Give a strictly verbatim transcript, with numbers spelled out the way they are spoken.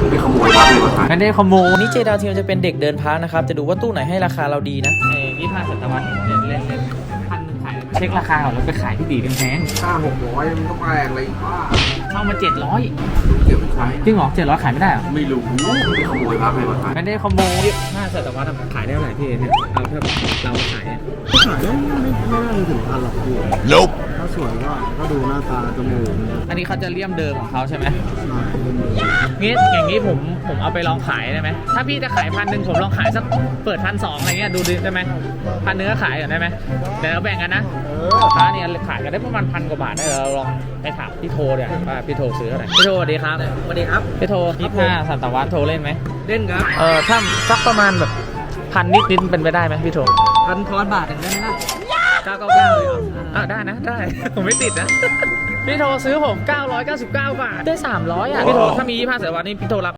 ไปขโมยมาเลยมาขายไม่ได้ขโมยนี่เจดาวเทียมจะเป็นเด็กเดินพักนะครับจะดูว่าตู้ไหนให้ราคาเราดีนะเอ้ยี่ห้าศตวรรษเล่นเล่นเล่นพันขายเช็คราคาก่อนแล้วไปขายที่ดีแพงห้าหกร้อยมันก็แพงอะไรอีกว่าๆเข้ามาเจ็ดร้อยเก็บไปใช้จริงเหรอเจ็ดร้อยขายไม่ได้เหรอไม่รู้ไปขโมยมาเลยมาขายไม่ได้ขโมยห้าศตวรรษขายได้เท่าไหร่พี่เนี่ยเอาถ้าเราขายเนี่ยขายได้ไม่ไม่ไม่น่าจะถึงพันหรอกพี่ Nope ถ้าสวยก็ก็ดูหน้าตาจมูกอันนี้เขาจะเลี่ยมเดิมของเขาใช่ไหมหน่อยเป็นหมูงี้อย่างนี้ผมผมเอาไปลองขายได้ไหมถ้าพี่จะขายพันหนึ่งผมลองขายสักเปิดพันสองอะไรเงี้ยดูได้ไหมพันเนื้อขายก่อนได้ไหมเดี๋ยวเราแบ่งกันนะร้านเนี่ยขายกันได้ประมาณพันกว่าบาทได้เราลองไปถามพี่โทเนี่ยว่าพี่โทซื้อเท่าไหร่พี่โทสวัสดีครับสวัสดีครับพี่โทยี่ห้าศตวรรษโทเล่นไหมเล่นครับเออถ้าสักประมาณแบบพันนิดนิดเป็นไปได้ไหมพี่โทพันทอนบาทหนึ่งได้ไหมล่ะเก้าเก้าเก้าเลยเหรออ่ะได้นะได้ ผมไม่ติดนะ พี่โทซื้อผมเก้าร้อยเก้าสิบเก้าบาทได้สามร้อยอ่ะพี่โทถ้ามียี่ห้าศตวรรษนี่พี่โทรับ